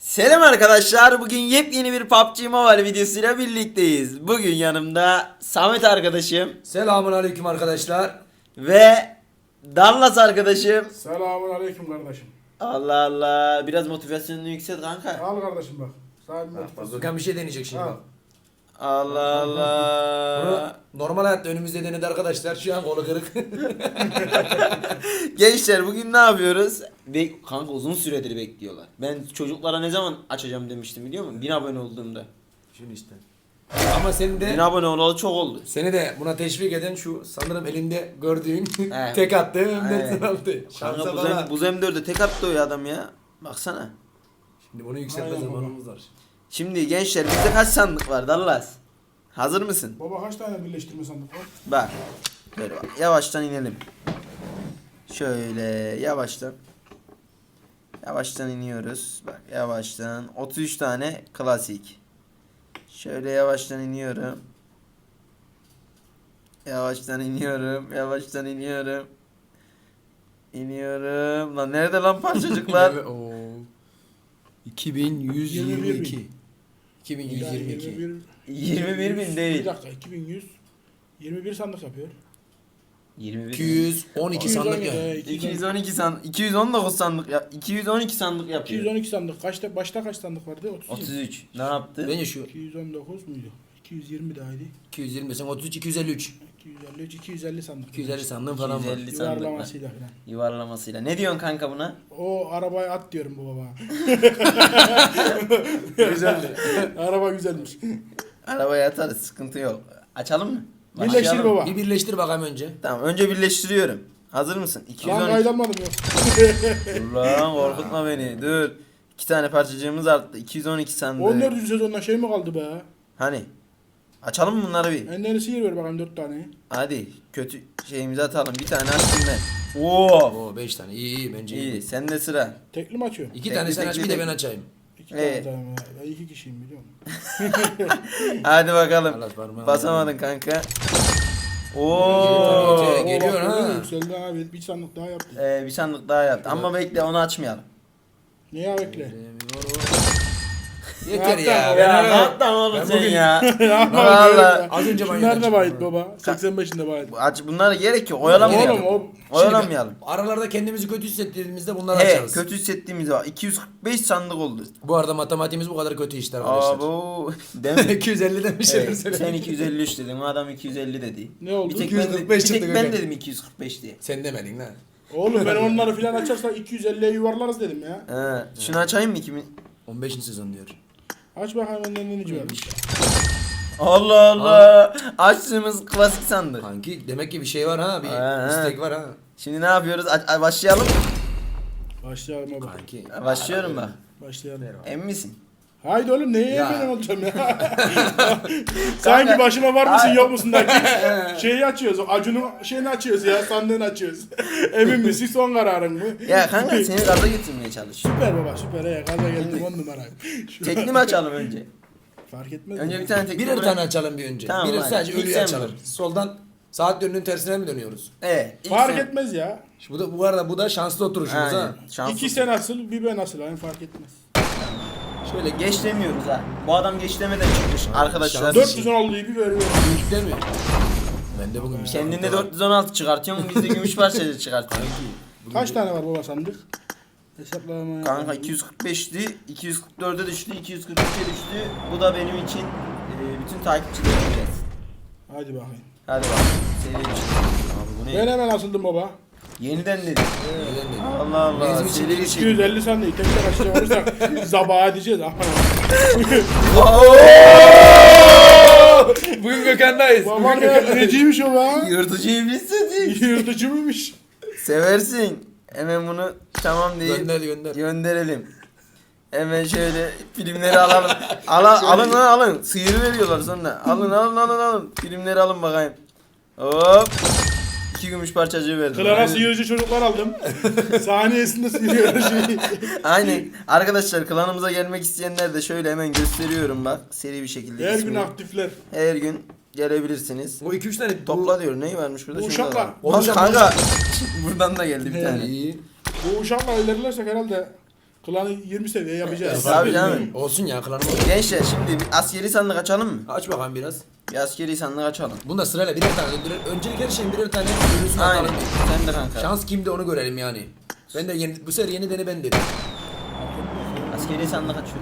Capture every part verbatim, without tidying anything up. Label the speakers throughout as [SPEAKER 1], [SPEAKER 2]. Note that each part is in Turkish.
[SPEAKER 1] Selam arkadaşlar. Bugün yepyeni bir P U B G Mobile videosuyla birlikteyiz. Bugün yanımda Samet arkadaşım
[SPEAKER 2] Selamun aleyküm arkadaşlar.
[SPEAKER 1] ve Dallas arkadaşım.
[SPEAKER 3] Selamun aleyküm kardeşim.
[SPEAKER 1] Allah Allah. Biraz motivasyonunu yükselt kanka.
[SPEAKER 3] Al kardeşim bak. Sahibi motivasyon.
[SPEAKER 2] Gökhan bir şey deneyecek şimdi
[SPEAKER 3] Ha.
[SPEAKER 2] bak.
[SPEAKER 1] Allah
[SPEAKER 2] Bunu
[SPEAKER 1] Allah.
[SPEAKER 2] normal hayatta önümüzde denedi arkadaşlar. Şu an kolu kırık.
[SPEAKER 1] Gençler bugün ne yapıyoruz? Be kanka uzun süredir bekliyorlar. Ben çocuklara ne zaman açacağım demiştim biliyor musun? bin abone olduğumda.
[SPEAKER 2] Şunu işte. Ama seni
[SPEAKER 1] bin
[SPEAKER 2] de
[SPEAKER 1] abone olalı çok oldu.
[SPEAKER 2] seni de buna teşvik eden şu sanırım elinde gördüğün
[SPEAKER 1] He.
[SPEAKER 2] tek attı hem de
[SPEAKER 1] He.
[SPEAKER 2] sen aldı.
[SPEAKER 1] Kanka
[SPEAKER 2] Şansa
[SPEAKER 1] bu,
[SPEAKER 2] bana.
[SPEAKER 1] zem, bu zemdörde tek attı o ya adam ya. Baksana.
[SPEAKER 2] Şimdi bunu yükseltme
[SPEAKER 3] Aynen
[SPEAKER 2] zamanımız var.
[SPEAKER 1] Şimdi gençler bizde kaç sandık var Dallas? Hazır mısın?
[SPEAKER 3] Baba kaç tane birleştirme sandık var?
[SPEAKER 1] Bak. Böyle bak. Yavaştan inelim. Şöyle yavaştan. Yavaştan iniyoruz. Bak yavaştan. otuz üç tane klasik. Şöyle yavaştan iniyorum. Yavaştan iniyorum. Yavaştan iniyorum. İniyorum. Lan nerede lan parçacıklar?
[SPEAKER 2] Evet, oo. iki bin yüz yirmi iki. iki bin yüz yirmi iki.
[SPEAKER 1] yirmi bir bin değil.
[SPEAKER 3] Bir dakika iki bin yüz yirmi bir sandık yapıyor.
[SPEAKER 1] yirmi bir
[SPEAKER 2] iki yüz on iki sandık ya.
[SPEAKER 3] ya.
[SPEAKER 1] iki yüz on iki sandık, iki yüz on dokuz sandık ya, iki yüz on iki sandık yapıyor.
[SPEAKER 3] iki yüz on iki sandık. Kaçta başta kaç sandık vardı? otuz.
[SPEAKER 1] otuz üç. Ne yaptı?
[SPEAKER 2] Bence şu
[SPEAKER 3] iki yüz on dokuz muydu? iki yüz yirmi dahaydı.
[SPEAKER 2] iki yüz yirmi sen otuz üç iki yüz elli üç.
[SPEAKER 3] iki yüz elli üç iki yüz elli sandık.
[SPEAKER 2] iki yüz elli sandığın falan var.
[SPEAKER 1] iki yüz elli sandık var.
[SPEAKER 3] Yuvarlamasıyla falan.
[SPEAKER 1] Yuvarlamasıyla. Ne diyorsun kanka buna?
[SPEAKER 3] O arabaya at diyorum bu baba.
[SPEAKER 2] Güzeldi.
[SPEAKER 3] Araba güzelmiş.
[SPEAKER 1] Arabaya atarız, sıkıntı yok. Açalım mı?
[SPEAKER 3] Birleştir
[SPEAKER 1] Başlayalım.
[SPEAKER 3] baba.
[SPEAKER 2] Bir birleştir bakalım önce.
[SPEAKER 1] Tamam, önce birleştiriyorum. Hazır mısın?
[SPEAKER 3] Lan
[SPEAKER 1] iki yüz on iki.
[SPEAKER 3] kaydalmadım yok.
[SPEAKER 1] Dur lan, korkutma beni. Dur. İki tane parçacığımız arttı. iki yüz on iki sandık.
[SPEAKER 3] on dördüncü sezonda şey mi kaldı be?
[SPEAKER 1] Hani? Açalım mı bunları bir?
[SPEAKER 3] Enleri sihir ver bakalım dört tane.
[SPEAKER 1] Hadi. Kötü şeyimizi atalım. Bir tane açtım ben. Oo.
[SPEAKER 2] Oo beş tane. İyi iyi bence iyi.
[SPEAKER 1] İyi. Sende sıra.
[SPEAKER 3] Tekli mi açıyor?
[SPEAKER 2] İki
[SPEAKER 1] Tekli,
[SPEAKER 2] tane sen aç
[SPEAKER 1] tekli,
[SPEAKER 2] bir de ben
[SPEAKER 1] tekli.
[SPEAKER 2] açayım.
[SPEAKER 3] İki
[SPEAKER 1] Evet.
[SPEAKER 3] tane tamam. Ben iki kişiyim biliyor musun?
[SPEAKER 1] Hadi bakalım.
[SPEAKER 2] Allah parmağını
[SPEAKER 1] Basamadın kanka. Oo.
[SPEAKER 2] Oo. Geliyor
[SPEAKER 3] bak,
[SPEAKER 2] ha.
[SPEAKER 3] Yükseldi abi. Bir sandık daha yaptı.
[SPEAKER 1] Ee, bir sandık daha yaptı. Ama bekle, onu açmayalım.
[SPEAKER 3] Neye bekle?
[SPEAKER 2] Yeter
[SPEAKER 3] Hatta
[SPEAKER 2] ya.
[SPEAKER 3] o
[SPEAKER 2] Ben
[SPEAKER 1] Ya
[SPEAKER 2] öyle-
[SPEAKER 1] ne yaptın oğlum
[SPEAKER 2] Ben
[SPEAKER 1] sen
[SPEAKER 2] bugün-
[SPEAKER 1] ya?
[SPEAKER 3] Valla.
[SPEAKER 1] Valla.
[SPEAKER 2] Az önce
[SPEAKER 3] Şunlar
[SPEAKER 2] banyodan
[SPEAKER 3] da bayit
[SPEAKER 2] çıktım.
[SPEAKER 3] baba. seksen beşinde bayit.
[SPEAKER 1] Aç, bunlara gerek yok. Oyalamayalım.
[SPEAKER 3] Oğlum o
[SPEAKER 1] Oyalamayalım.
[SPEAKER 2] Aralarda kendimizi kötü hissettiğimizde bunları
[SPEAKER 1] He,
[SPEAKER 2] açarız.
[SPEAKER 1] kötü hissettiğimiz var. iki yüz kırk beş sandık oldu.
[SPEAKER 2] Bu arada matematiğimiz bu kadar kötü işte arkadaşlar.
[SPEAKER 1] Abo. Değil mi?
[SPEAKER 2] iki yüz elli demiş.
[SPEAKER 1] Evet, sen iki yüz elli üç dedin. O adam iki yüz elli dedi.
[SPEAKER 3] Ne oldu?
[SPEAKER 1] Bir tek
[SPEAKER 2] iki yüz
[SPEAKER 1] ben,
[SPEAKER 2] kırk
[SPEAKER 1] de-
[SPEAKER 2] beş
[SPEAKER 1] bir tek
[SPEAKER 2] çıktı
[SPEAKER 1] ben
[SPEAKER 2] Gökhan.
[SPEAKER 1] dedim iki yüz kırk beş diye.
[SPEAKER 2] Sen demedin lan.
[SPEAKER 3] Oğlum ben onları filan açarsa iki yüz elliye yuvarlarız dedim ya.
[SPEAKER 1] He, şunu açayım mı kimin?
[SPEAKER 2] on beşinci sezon diyor.
[SPEAKER 3] Aç bakalım önden ne varmış.
[SPEAKER 1] Allah Allah. Açtığımız klasik sandık.
[SPEAKER 2] Kanki demek ki bir şey var ha. Bir
[SPEAKER 1] Ha,
[SPEAKER 2] istek
[SPEAKER 1] ha.
[SPEAKER 2] var ha.
[SPEAKER 1] Şimdi ne yapıyoruz? Aç, a- başlayalım mı?
[SPEAKER 3] Başlayalım baba.
[SPEAKER 2] Kanki.
[SPEAKER 1] Başlıyorum bak.
[SPEAKER 3] Başlayalım.
[SPEAKER 1] Emin misin?
[SPEAKER 3] Haydi oğlum neye
[SPEAKER 2] Ya.
[SPEAKER 3] ben olacağım ya? Sanki başıma var mısın yok musun da şeyi açıyoruz. Acun'un şeyini açıyoruz ya. Sandığını açıyoruz. Emin misin? Son kararın mı?
[SPEAKER 1] Ya kanka seni gaza getirmeye çalışıyorum.
[SPEAKER 3] Süper baba süper ya. Gaza geldim on numara. Şu-
[SPEAKER 1] Tekli mi açalım önce?
[SPEAKER 3] Fark etmez.
[SPEAKER 1] Önce
[SPEAKER 3] mi?
[SPEAKER 1] bir tane tekli
[SPEAKER 2] Birer
[SPEAKER 1] bırak.
[SPEAKER 2] tane açalım bir önce.
[SPEAKER 1] Tamam,
[SPEAKER 2] Birer
[SPEAKER 1] hadi.
[SPEAKER 2] sadece
[SPEAKER 1] İlk
[SPEAKER 2] ölüyü
[SPEAKER 1] sen
[SPEAKER 2] açalım.
[SPEAKER 1] bak.
[SPEAKER 2] Soldan saat yönünün tersine mi dönüyoruz?
[SPEAKER 1] Evet. ilk
[SPEAKER 3] Fark
[SPEAKER 1] sen-
[SPEAKER 3] etmez ya.
[SPEAKER 2] Şu bu da bu arada bu da şanslı oturuşumuz
[SPEAKER 1] Aynen.
[SPEAKER 2] ha.
[SPEAKER 1] Şanslı.
[SPEAKER 3] İki sen asıl bir ben asıl. Yani fark etmez.
[SPEAKER 1] Şöyle geç demiyoruz ha. Bu adam geç demeden çıkmış arkadaşlar.
[SPEAKER 2] şans-
[SPEAKER 3] dört yüz on altıyı bir veriyorum.
[SPEAKER 2] Büyük değil mi? Ben de bugün bir
[SPEAKER 1] Kendinde
[SPEAKER 2] sıkıntı var.
[SPEAKER 1] dört yüz on altı çıkartıyorsun, biz de gümüş parçacık çıkartıyoruz.
[SPEAKER 2] Bugün
[SPEAKER 3] Kaç
[SPEAKER 2] bir-
[SPEAKER 3] tane var baba sandık? Hesaplama.
[SPEAKER 1] Kanka iki yüz kırk beşti, iki yüz kırk dörde düştü, iki yüz kırk üçe düştü. Bu da benim için e, bütün takipçilerim gelsin.
[SPEAKER 3] Hadi bakayım.
[SPEAKER 1] Hadi bakalım. Seri bir şey. Abi bu
[SPEAKER 3] Ben
[SPEAKER 1] ne?
[SPEAKER 3] hemen asıldım baba.
[SPEAKER 1] Yeniden dedim.
[SPEAKER 2] Neden dedim?
[SPEAKER 1] Allah Allah.
[SPEAKER 2] Bizim için
[SPEAKER 1] Seri bir
[SPEAKER 3] iki
[SPEAKER 1] şey.
[SPEAKER 3] yüz elli sandığı tek tek açacak olursak zabağa edeceğiz.
[SPEAKER 2] Bugün Gökhan'dayız.
[SPEAKER 3] Baba ne neciymiş o be?
[SPEAKER 1] Yırtıcı iblis sesi.
[SPEAKER 3] Yırtıcı mıymış?
[SPEAKER 1] Seversin. Hemen bunu tamam deyip
[SPEAKER 2] Gönder gönder.
[SPEAKER 1] gönderelim. Hemen şöyle filmleri alalım. Ala, alın lan alın. Sıyırı veriyorlar sonra. Alın alın alın alın. Filmleri alın bakayım. Hop. İki gümüş parçacığı verdim.
[SPEAKER 3] Klara sıyırıcı çocuklar aldım. Saniyesinde sıyırıyor şeyi.
[SPEAKER 1] Aynen. Arkadaşlar klanımıza gelmek isteyenler de şöyle hemen gösteriyorum bak. Seri bir şekilde
[SPEAKER 3] Her gün
[SPEAKER 1] ismini.
[SPEAKER 3] aktifler.
[SPEAKER 1] Her gün gelebilirsiniz.
[SPEAKER 2] Bu iki üç tane
[SPEAKER 1] Topla diyor. Neyi varmış burada?
[SPEAKER 3] Bu
[SPEAKER 1] Şurada
[SPEAKER 3] uşaklar.
[SPEAKER 1] var.
[SPEAKER 2] O
[SPEAKER 1] Bak
[SPEAKER 2] uşak-
[SPEAKER 1] kanka. Buradan da geldi bir
[SPEAKER 3] He.
[SPEAKER 1] tane.
[SPEAKER 2] İyi.
[SPEAKER 3] Bu uşakla ilerlersek herhalde Klanı yirmi seviye yapacağız.
[SPEAKER 1] Tabii canım.
[SPEAKER 2] Olsun ya klanım olur.
[SPEAKER 1] Gençler şimdi bir askeri sandık açalım mı?
[SPEAKER 2] Aç bakalım biraz.
[SPEAKER 1] Bir askeri sandık açalım.
[SPEAKER 2] Bunda sırayla birer tane öldürelim. Öncelik her şeyin birer tane ölüsünü
[SPEAKER 1] Aynen.
[SPEAKER 2] atalım.
[SPEAKER 1] Sen de kanka.
[SPEAKER 2] Şans kimde onu görelim yani. Ben de yeni, bu sefer yeni dene ben dedim.
[SPEAKER 1] Askeri sandık açıyorum.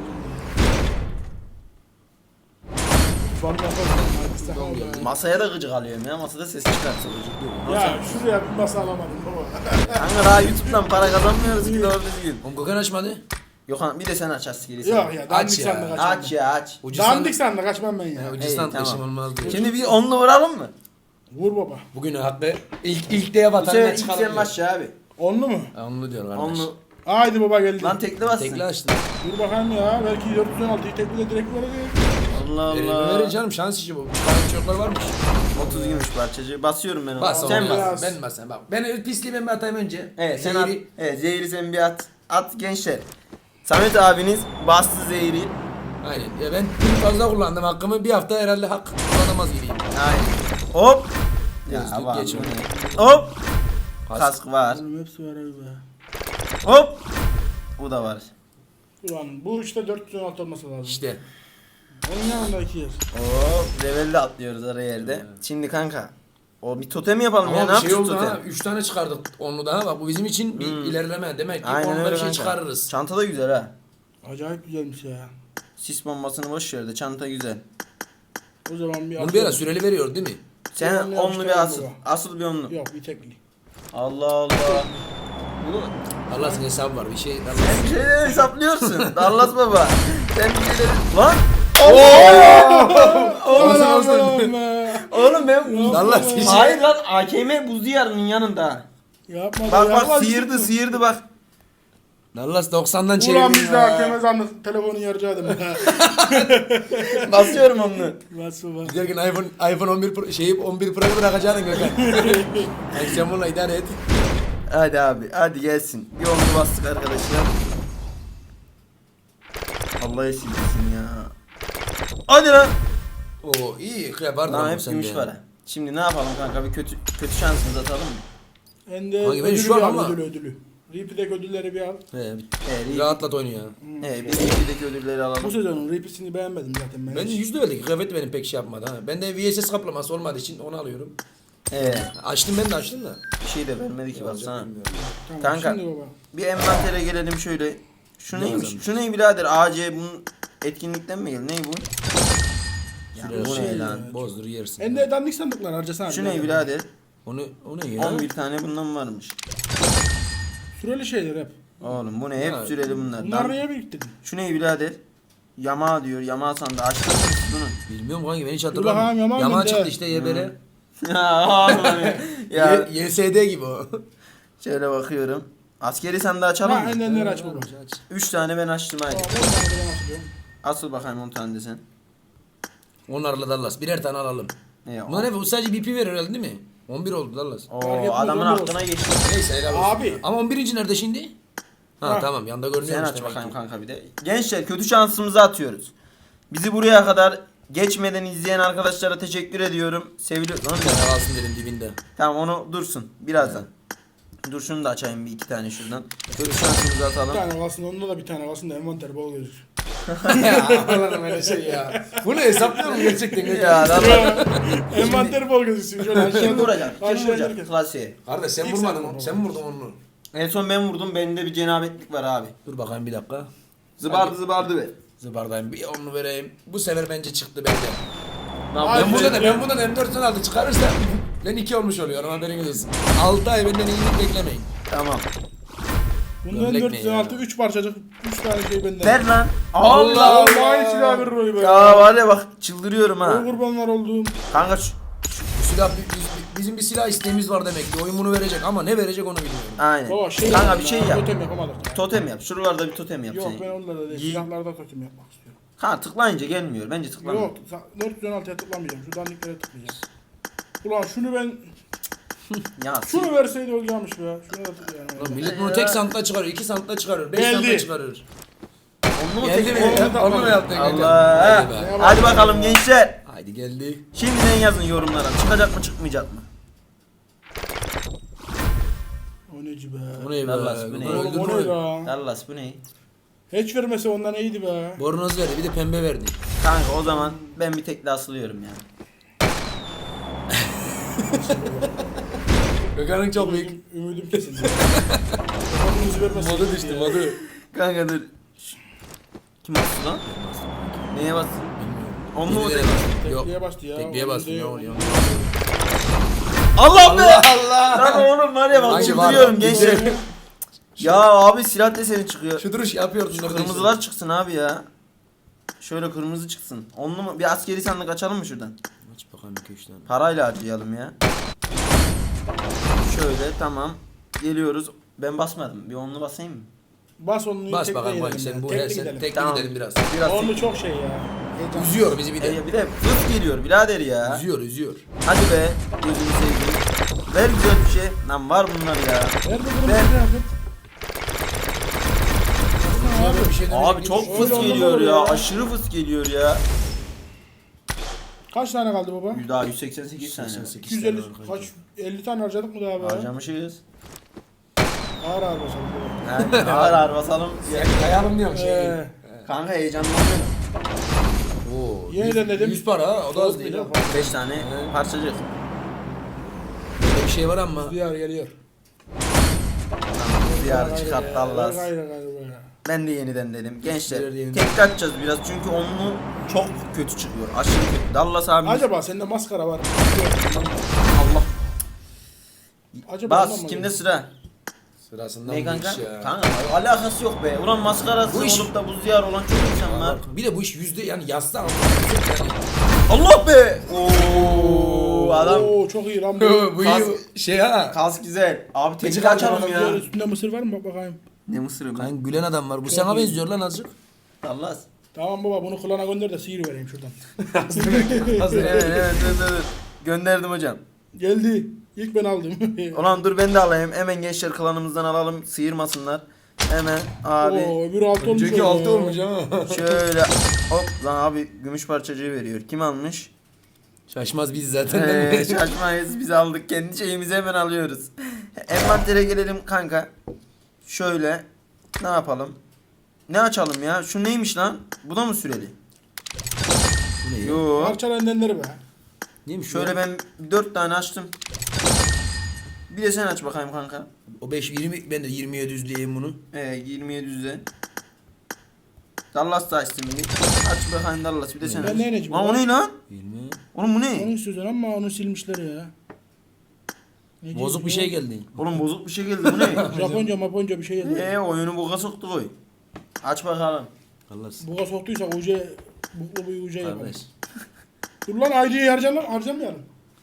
[SPEAKER 3] Bak, bak, bak,
[SPEAKER 2] Doğru
[SPEAKER 3] bak.
[SPEAKER 2] geldi.
[SPEAKER 1] Masaya da gıcık alıyorum ya. Masada ses çıkartsa gıcık.
[SPEAKER 3] Ya şuraya bir masa alamadım baba.
[SPEAKER 1] Kanka daha YouTube'dan para kazanmıyoruz ki doğru düzgün.
[SPEAKER 2] Oğlum Gökhan açmadı.
[SPEAKER 1] Gökhan bir de sen aç askeri sandık.
[SPEAKER 3] Yok ya dandik
[SPEAKER 2] Aç ya.
[SPEAKER 3] sandık açmam.
[SPEAKER 1] Aç ya aç.
[SPEAKER 2] Ucuz
[SPEAKER 3] Dandik sandık açmam ben ya.
[SPEAKER 2] Ya, ucuz
[SPEAKER 1] İyi,
[SPEAKER 2] sandık
[SPEAKER 1] tamam.
[SPEAKER 2] işim olmaz diyor.
[SPEAKER 1] Şimdi bir onlu vuralım mı?
[SPEAKER 3] Vur baba.
[SPEAKER 2] Bugün hakkı ilk ilk diye
[SPEAKER 1] Bu
[SPEAKER 2] vatanına
[SPEAKER 1] sefer ilk
[SPEAKER 2] çıkalım
[SPEAKER 1] sen
[SPEAKER 2] diyor.
[SPEAKER 1] başla abi.
[SPEAKER 3] Onlu mu?
[SPEAKER 2] Ha, Onu diyor kardeş.
[SPEAKER 1] Onlu.
[SPEAKER 3] Haydi baba geldi.
[SPEAKER 1] Lan tekli bassın.
[SPEAKER 2] Tekli açtın.
[SPEAKER 3] Dur bakayım ya. Belki dört yüz on altıyı tekli de direkt verecek.
[SPEAKER 1] Allah
[SPEAKER 2] Verin,
[SPEAKER 1] Allah.
[SPEAKER 2] verin canım şans işi bu. Bazı çocuklar varmış.
[SPEAKER 1] otuz gümüş parçacı. Basıyorum ben onu.
[SPEAKER 2] Bas
[SPEAKER 1] sen
[SPEAKER 2] oğlum.
[SPEAKER 1] bas.
[SPEAKER 3] bas.
[SPEAKER 2] Ben bas sen bak. Ben pisliği ben bir atayım önce.
[SPEAKER 1] Evet sen
[SPEAKER 2] Zehri-
[SPEAKER 1] at. Evet zehri sen bir at. At gençler. Samet abiniz bastı zehri.
[SPEAKER 2] Aynen. Ya ben dün fazla kullandım hakkımı. Bir hafta herhalde hak kullanamaz gibiyim.
[SPEAKER 1] Aynen. Hop. Ya
[SPEAKER 2] Gözlük
[SPEAKER 1] var.
[SPEAKER 2] geç
[SPEAKER 1] bu
[SPEAKER 2] onu.
[SPEAKER 1] ne? Hop.
[SPEAKER 2] Kask.
[SPEAKER 1] Kask var.
[SPEAKER 3] Oğlum hepsi var abi be.
[SPEAKER 1] Hop. Bu da var.
[SPEAKER 3] Ulan bu işte dört yüz on altı olması lazım.
[SPEAKER 2] İşte.
[SPEAKER 3] Onun yanında iki yer.
[SPEAKER 1] Hop. Levelle atlıyoruz araya yerde. Şimdi kanka. O bir totem yapalım ya.
[SPEAKER 2] Ama
[SPEAKER 1] Ne
[SPEAKER 2] bir şey
[SPEAKER 1] yapacağız
[SPEAKER 2] oldu
[SPEAKER 1] totem?
[SPEAKER 2] ha. Üç tane çıkardık onlu daha. Bak bu bizim için bir
[SPEAKER 1] Hmm.
[SPEAKER 2] ilerleme. Demek ki
[SPEAKER 1] Aynen
[SPEAKER 2] onunla
[SPEAKER 1] öyle
[SPEAKER 2] bir şey
[SPEAKER 1] kanka.
[SPEAKER 2] çıkarırız.
[SPEAKER 1] Çanta da güzel ha.
[SPEAKER 3] Acayip güzelmiş ya.
[SPEAKER 1] Sis bombasını boş yerde. Çanta güzel.
[SPEAKER 3] O zaman bir
[SPEAKER 2] Bunu bir ara süreli veriyor değil mi?
[SPEAKER 1] Sen
[SPEAKER 3] Onlu
[SPEAKER 1] onlu bir
[SPEAKER 3] yapıştıralım
[SPEAKER 1] asıl.
[SPEAKER 3] baba.
[SPEAKER 1] Asıl bir onlu.
[SPEAKER 3] Yok bir tekli.
[SPEAKER 1] Allah Allah. Bunu
[SPEAKER 2] Allah senin hesabı var. Bir şey. Allah.
[SPEAKER 1] sen bir şeyler hesaplıyorsun. Dallas baba. Sen bir şeyler... Lan!
[SPEAKER 2] Olsun, olsun.
[SPEAKER 1] Oğlum ben buz...
[SPEAKER 2] Allah seni-
[SPEAKER 1] Hayır lan A K M buz diyarının yanında.
[SPEAKER 3] Yapma da
[SPEAKER 1] Bak
[SPEAKER 3] yapma,
[SPEAKER 1] bak sıyırdı
[SPEAKER 3] çıkma.
[SPEAKER 1] sıyırdı bak.
[SPEAKER 2] Dallas doksandan
[SPEAKER 3] Ulan
[SPEAKER 2] çevirdi
[SPEAKER 3] biz de
[SPEAKER 2] ya.
[SPEAKER 3] hakeme zannet telefonu yaracaktım.
[SPEAKER 1] Basıyorum onu.
[SPEAKER 3] Nasıl bak.
[SPEAKER 2] Giderken iPhone iPhone on bir Pro, şeyi on bir Pro'yu bırakacaksın Gökhan. Yani sen bununla idare et.
[SPEAKER 1] Hadi abi hadi gelsin. Bir onlu bastık arkadaşlar. Allah esirgesin ya. Hadi lan.
[SPEAKER 2] Oo iyi kıyapardın
[SPEAKER 1] Lan
[SPEAKER 2] oğlum
[SPEAKER 1] hep
[SPEAKER 2] sen
[SPEAKER 1] gümüş
[SPEAKER 2] de.
[SPEAKER 1] para. Şimdi ne yapalım kanka bir kötü kötü şansımızı atalım mı?
[SPEAKER 3] Hem de
[SPEAKER 2] Hangi, ben
[SPEAKER 3] ödülü
[SPEAKER 2] şu an
[SPEAKER 3] bir al,
[SPEAKER 2] ama-
[SPEAKER 3] ödülü ödülü. Repeat'deki ödülleri bir al.
[SPEAKER 2] He,
[SPEAKER 1] Evet,
[SPEAKER 2] rahatlat oyunu ya.
[SPEAKER 1] evet bir ikideki ödülleri
[SPEAKER 3] Bu
[SPEAKER 1] alalım.
[SPEAKER 3] sezonun repeat'ini beğenmedim zaten ben.
[SPEAKER 2] Ben
[SPEAKER 3] hiç.
[SPEAKER 2] yüzde verdik. Kıyafet benim pek şey yapmadı ha. Ben de V S S kaplaması olmadığı için onu alıyorum.
[SPEAKER 1] Evet.
[SPEAKER 2] Açtım ben de açtım da.
[SPEAKER 1] Bir şey de vermedi ki baksana.
[SPEAKER 3] Tamam,
[SPEAKER 1] Kanka.
[SPEAKER 3] Şimdi baba.
[SPEAKER 1] Bir envantere gelelim şöyle. Şu
[SPEAKER 2] Ne
[SPEAKER 1] neymiş?
[SPEAKER 2] yazılmış?
[SPEAKER 1] Şu ne birader? A C bunun etkinlikten mi geldi? Ne bu? Ya
[SPEAKER 2] Şuraya
[SPEAKER 1] bu
[SPEAKER 3] şey
[SPEAKER 1] ne
[SPEAKER 3] ya.
[SPEAKER 1] lan?
[SPEAKER 2] Bozdur yersin.
[SPEAKER 3] Hem de dandik sandıklar harcasana.
[SPEAKER 1] Şu ne birader?
[SPEAKER 2] Onu o ne ya?
[SPEAKER 1] on bir tane bundan varmış.
[SPEAKER 3] Süreli şeyler hep.
[SPEAKER 1] Oğlum bu ne? Hep
[SPEAKER 2] Ya,
[SPEAKER 1] süreli bunlar.
[SPEAKER 3] Bunlar
[SPEAKER 1] Lan,
[SPEAKER 3] niye biriktirdin?
[SPEAKER 1] şu ne birader? Yama diyor. Yama sandı. Açtın mı bunu?
[SPEAKER 2] Bilmiyorum kanki ben hiç
[SPEAKER 3] bakalım,
[SPEAKER 2] hatırlamıyorum.
[SPEAKER 3] yaman
[SPEAKER 2] Yaman
[SPEAKER 3] bende.
[SPEAKER 2] çıktı işte yebere.
[SPEAKER 1] Ya oğlum ya.
[SPEAKER 2] Y- Y S D gibi o.
[SPEAKER 1] Şöyle bakıyorum. Askeri sandığı açalım
[SPEAKER 3] Ha
[SPEAKER 1] mı?
[SPEAKER 3] endenleri aç baba.
[SPEAKER 1] üç tane ben açtım haydi.
[SPEAKER 3] Tamam on tane de ben açıyorum.
[SPEAKER 1] Asıl bakayım on tane de sen.
[SPEAKER 2] Onlarla Dallas. Birer tane alalım.
[SPEAKER 1] Ne o?
[SPEAKER 2] Bunlar ne? Bu sadece B P verir herhalde değil mi? on bir oldu Dallas.
[SPEAKER 1] Oo,
[SPEAKER 3] Fark etmez,
[SPEAKER 1] adamın
[SPEAKER 3] on bir
[SPEAKER 1] aklına
[SPEAKER 3] olsun.
[SPEAKER 1] geçti.
[SPEAKER 2] Neyse helal olsun.
[SPEAKER 3] Abi.
[SPEAKER 2] Ama on birinci nerede şimdi? Ha,
[SPEAKER 3] Ha.
[SPEAKER 2] tamam yanda görünüyor.
[SPEAKER 1] Sen
[SPEAKER 2] işte
[SPEAKER 1] aç
[SPEAKER 2] demek
[SPEAKER 1] bakayım
[SPEAKER 2] ki.
[SPEAKER 1] kanka bir de. Gençler kötü şansımızı atıyoruz. Bizi buraya kadar geçmeden izleyen arkadaşlara teşekkür ediyorum. Seviliyor. Lan
[SPEAKER 2] Bir tane kalsın dedim dibinde.
[SPEAKER 1] tamam onu dursun birazdan. Dur şunu da açayım bir iki tane şuradan. Kötü şansımızı
[SPEAKER 3] Bir
[SPEAKER 1] atalım.
[SPEAKER 3] tane kalsın onda da bir tane kalsın da envanter bol gözür.
[SPEAKER 2] Ya Allah'ım öyle şey ya. Bunu hesaplıyorum gerçekten.
[SPEAKER 1] Ya lan bak.
[SPEAKER 3] Envanter bol gözüksün şöyle
[SPEAKER 1] Kim
[SPEAKER 3] aşağıda.
[SPEAKER 1] vuracak? Kim
[SPEAKER 3] Aşağı
[SPEAKER 1] vuracak?
[SPEAKER 3] inerken.
[SPEAKER 1] Klasiğe.
[SPEAKER 2] Kardeş sen
[SPEAKER 3] İlk
[SPEAKER 2] vurmadın
[SPEAKER 3] sen
[SPEAKER 2] onu.
[SPEAKER 3] vur.
[SPEAKER 2] Sen mi vurdun onu?
[SPEAKER 1] En son ben vurdum. Bende bir cenabetlik var abi.
[SPEAKER 2] Dur bakayım bir dakika.
[SPEAKER 1] Zıbardı zıbardı be.
[SPEAKER 2] Zıbardayım bir onu vereyim. Bu sefer bence çıktı bende.
[SPEAKER 3] Ay,
[SPEAKER 2] Ben buradan
[SPEAKER 3] evet.
[SPEAKER 2] ben buradan M dört altı çıkarırsam ben iki olmuş oluyorum haberiniz olsun. altı ay benden iyilik beklemeyin.
[SPEAKER 1] Tamam.
[SPEAKER 3] Bundan
[SPEAKER 2] Gömlek
[SPEAKER 3] dört
[SPEAKER 2] ne
[SPEAKER 3] yüz on altı
[SPEAKER 2] ya?
[SPEAKER 3] üç parçacık üç tane şey benden.
[SPEAKER 1] Ver lan.
[SPEAKER 2] Allah
[SPEAKER 1] Allah.
[SPEAKER 3] Vallahi silah verir oyu be.
[SPEAKER 1] Ya var ya bak çıldırıyorum ha.
[SPEAKER 3] O kurbanlar olduğum.
[SPEAKER 1] Kanka şu-
[SPEAKER 2] Bu silah biz- biz- bizim bir silah isteğimiz var demek ki. Oyun bunu verecek ama ne verecek onu bilmiyorum.
[SPEAKER 1] aynen.
[SPEAKER 3] Baba şey
[SPEAKER 1] Kanka
[SPEAKER 3] yapalım
[SPEAKER 1] bir şey
[SPEAKER 3] ya,
[SPEAKER 1] yap.
[SPEAKER 3] Totem yapamadık ya.
[SPEAKER 1] Totem yap. Şuralarda bir totem yap
[SPEAKER 3] Yok
[SPEAKER 1] sen.
[SPEAKER 3] ben onlarda değil.
[SPEAKER 1] Giy-
[SPEAKER 3] Silahlarda totem yapmak istiyorum.
[SPEAKER 1] Ha tıklayınca gelmiyor. Bence tıklama.
[SPEAKER 3] Yok dört yüz on altıya tıklamayacağım. Şu dandiklere tıklayacağım. Ulan şunu ben
[SPEAKER 1] Ya
[SPEAKER 3] şunu verseydi olacakmış be. Şunu da tıklayalım.
[SPEAKER 2] Lan millet bunu tek santta çıkarıyor, iki santta çıkarıyor, beş
[SPEAKER 3] Geldi.
[SPEAKER 2] santta çıkarıyor.
[SPEAKER 1] onu mu
[SPEAKER 2] Geldi
[SPEAKER 1] tek-
[SPEAKER 2] mi?
[SPEAKER 3] Onu da-
[SPEAKER 2] Onu mu yaptın?
[SPEAKER 1] Allah.
[SPEAKER 2] Hadi be.
[SPEAKER 1] Hadi bakalım gençler.
[SPEAKER 2] Haydi geldi.
[SPEAKER 1] Şimdiden yazın yorumlara. Çıkacak mı çıkmayacak mı?
[SPEAKER 3] O neci be.
[SPEAKER 2] Bu ne be?
[SPEAKER 1] Dallas, bu ne?
[SPEAKER 2] Öldürdün
[SPEAKER 3] Oğlum o ne
[SPEAKER 2] mü?
[SPEAKER 3] ya?
[SPEAKER 1] Dallas bu ne?
[SPEAKER 3] Hiç vermese ondan iyiydi be.
[SPEAKER 2] Bornoz verdi bir de pembe verdi.
[SPEAKER 1] Kanka o zaman ben bir tekli asılıyorum ya.
[SPEAKER 2] Gökhan'ın çok büyük.
[SPEAKER 3] Ümidim, ümidim kesildi. Kırmızı vermese
[SPEAKER 2] Modu
[SPEAKER 3] iyiydi
[SPEAKER 2] düştü
[SPEAKER 3] ya.
[SPEAKER 2] modu.
[SPEAKER 1] Kanka dur. Şş. Kim bastı lan? Neye bastı? Onu mu
[SPEAKER 2] Yedi lira
[SPEAKER 1] tek-
[SPEAKER 2] bastım. Yok.
[SPEAKER 3] Tekliğe bastı ya.
[SPEAKER 2] Tekliğe
[SPEAKER 3] Onu
[SPEAKER 2] bastım.
[SPEAKER 3] değil.
[SPEAKER 2] Yok yok.
[SPEAKER 1] Allah be!
[SPEAKER 2] Allah.
[SPEAKER 1] Lan oğlum var ya bak
[SPEAKER 2] Hangi
[SPEAKER 1] çıldırıyorum
[SPEAKER 2] var?
[SPEAKER 1] gençler. Ya abi silah deseni çıkıyor.
[SPEAKER 2] Şu duruş yapıyordun.
[SPEAKER 1] Şu
[SPEAKER 2] orada
[SPEAKER 1] kırmızılar
[SPEAKER 2] işte.
[SPEAKER 1] çıksın abi ya. Şöyle kırmızı çıksın. Onlu mu? Bir askeri sandık açalım mı şuradan?
[SPEAKER 2] Aç bakalım iki üç tane.
[SPEAKER 1] Parayla harcayalım ya. Şöyle tamam. Geliyoruz. Ben basmadım. Bir onlu basayım mı?
[SPEAKER 3] Bas onu
[SPEAKER 2] Bas
[SPEAKER 3] tekliğe
[SPEAKER 2] bakalım bak
[SPEAKER 3] gidelim
[SPEAKER 2] sen
[SPEAKER 3] ya.
[SPEAKER 2] bu
[SPEAKER 3] Tekli
[SPEAKER 2] her sen
[SPEAKER 3] gidelim.
[SPEAKER 2] tekli
[SPEAKER 1] Tamam.
[SPEAKER 2] gidelim biraz.
[SPEAKER 1] Biraz
[SPEAKER 3] Onlu çok şey ya. Heyecan.
[SPEAKER 2] Üzüyor bizi bir de.
[SPEAKER 1] E, bir de hız geliyor birader ya.
[SPEAKER 2] Üzüyor üzüyor.
[SPEAKER 1] Hadi be. Gözünü seveyim. Ver güzel bir şey. Lan var bunlar ya.
[SPEAKER 3] Nerede kırmızı
[SPEAKER 1] Ben-
[SPEAKER 3] kıyafet?
[SPEAKER 2] Abi, bir şey
[SPEAKER 1] Abi
[SPEAKER 2] demek
[SPEAKER 1] çok
[SPEAKER 2] ki-
[SPEAKER 1] fıs
[SPEAKER 3] Öyle
[SPEAKER 1] geliyor
[SPEAKER 3] olmamalı
[SPEAKER 1] ya.
[SPEAKER 3] ya.
[SPEAKER 1] Aşırı fıs geliyor ya.
[SPEAKER 3] Kaç tane kaldı baba?
[SPEAKER 1] Daha yüz seksen sekiz tane.
[SPEAKER 2] seksen sekiz
[SPEAKER 3] iki yüz elli
[SPEAKER 2] tane var
[SPEAKER 3] kaç
[SPEAKER 2] kanka.
[SPEAKER 3] elli tane harcadık mı daha be?
[SPEAKER 1] Harcamışız.
[SPEAKER 3] Ağır ağır basalım baba.
[SPEAKER 1] Yani ağır ağır basalım.
[SPEAKER 2] Kayalım diyorum şey.
[SPEAKER 3] Ee,
[SPEAKER 1] Kanka heyecanlanıyorum.
[SPEAKER 2] Oo.
[SPEAKER 3] Yeniden dedim.
[SPEAKER 2] yüz para ha, o da az
[SPEAKER 3] Çok
[SPEAKER 2] değil
[SPEAKER 3] bir
[SPEAKER 2] ha.
[SPEAKER 3] defa.
[SPEAKER 1] beş tane
[SPEAKER 2] Evet.
[SPEAKER 1] parçacık.
[SPEAKER 2] Böyle bir şey var ama.
[SPEAKER 3] Diyar geliyor.
[SPEAKER 1] Diyar çıkarttı Allah.
[SPEAKER 3] Hayır hayır hayır.
[SPEAKER 1] Ben de yeniden dedim. Gençler
[SPEAKER 2] Birer yeniden.
[SPEAKER 1] tek açacağız biraz çünkü onlu çok kötü çıkıyor. Aşırı kötü. Dallas abi.
[SPEAKER 3] Acaba sende maskara var.
[SPEAKER 1] Allah.
[SPEAKER 3] Acaba ondan
[SPEAKER 1] Bas
[SPEAKER 3] mı
[SPEAKER 1] kimde
[SPEAKER 3] geliyor?
[SPEAKER 1] sıra?
[SPEAKER 2] Sırasından
[SPEAKER 1] Ne
[SPEAKER 2] bu
[SPEAKER 1] kanka?
[SPEAKER 2] iş ya.
[SPEAKER 1] Kanka alakası yok be. Ulan maskarası
[SPEAKER 2] Bu iş-
[SPEAKER 1] olup da buz diyar olan çok insan var.
[SPEAKER 2] Bir de bu iş yüzde yani yazsa ama yani.
[SPEAKER 1] Allah be. Oo adam.
[SPEAKER 3] Oo çok iyi lan bu.
[SPEAKER 2] bu
[SPEAKER 1] Kas-
[SPEAKER 2] iyi şey ha.
[SPEAKER 1] Kas güzel. Abi
[SPEAKER 2] Peki
[SPEAKER 1] tekli açalım
[SPEAKER 3] Diğer
[SPEAKER 1] ya.
[SPEAKER 3] üstünde mısır var mı bak bakayım.
[SPEAKER 1] Ne mısırı mı?
[SPEAKER 2] Lan gülen adam var. Bu
[SPEAKER 3] Çok
[SPEAKER 2] sana
[SPEAKER 3] iyi.
[SPEAKER 2] benziyor lan azıcık.
[SPEAKER 1] Dallas.
[SPEAKER 3] Tamam baba bunu klana gönder de sihir vereyim şuradan.
[SPEAKER 2] Hazır
[SPEAKER 1] Evet evet dur dur dur. Gönderdim hocam.
[SPEAKER 3] Geldi. İlk ben aldım.
[SPEAKER 1] Ulan dur ben de alayım. Hemen gençler klanımızdan alalım. Sıyırmasınlar. Hemen abi.
[SPEAKER 3] Oo öbür altı olmuş.
[SPEAKER 2] Önceki
[SPEAKER 3] o
[SPEAKER 2] altı
[SPEAKER 3] ya.
[SPEAKER 2] olmuş ama.
[SPEAKER 1] Şöyle hop lan abi gümüş parçacığı veriyor. Kim almış?
[SPEAKER 2] Şaşmaz biz zaten
[SPEAKER 1] Eee
[SPEAKER 2] değil mi?
[SPEAKER 1] şaşmayız biz aldık. Kendi şeyimizi hemen alıyoruz. Envantere gelelim kanka. Şöyle ne yapalım? Ne açalım ya? Şu neymiş lan? Bu da mı süreli?
[SPEAKER 2] Bu ne ya?
[SPEAKER 1] Yo.
[SPEAKER 3] Parçalı endenleri be.
[SPEAKER 2] Neymiş
[SPEAKER 1] Şöyle
[SPEAKER 2] Şöyle ben...
[SPEAKER 1] ben dört tane açtım. Bir de sen aç bakayım kanka.
[SPEAKER 2] O beş yirmi ben de yirmi yedi yüzleyeyim bunu.
[SPEAKER 1] Ee, yirmi yedi yüzde. Dallas da açtım bir. Aç bakayım Dallas bir de sen
[SPEAKER 3] Ben
[SPEAKER 1] aç.
[SPEAKER 3] ne ineceğim
[SPEAKER 1] Lan o
[SPEAKER 3] lan?
[SPEAKER 1] ne lan?
[SPEAKER 2] yirmi.
[SPEAKER 1] Oğlum bu
[SPEAKER 3] Onu
[SPEAKER 1] ne?
[SPEAKER 3] istiyorsun ama onu silmişler ya. Ne
[SPEAKER 2] Bozuk bir
[SPEAKER 3] diyorsun
[SPEAKER 2] şey
[SPEAKER 3] ya?
[SPEAKER 2] geldi.
[SPEAKER 1] Oğlum bozuk bir şey geldi bu ne?
[SPEAKER 3] Japonca maponca bir şey geldi.
[SPEAKER 1] Eee oyunu boka soktu koy. Aç bakalım.
[SPEAKER 2] Allah
[SPEAKER 3] Buga soktuysa uca buklu bir uca yapalım.
[SPEAKER 2] kardeş.
[SPEAKER 3] Dur lan ayrıca harcayalım, harcamayalım.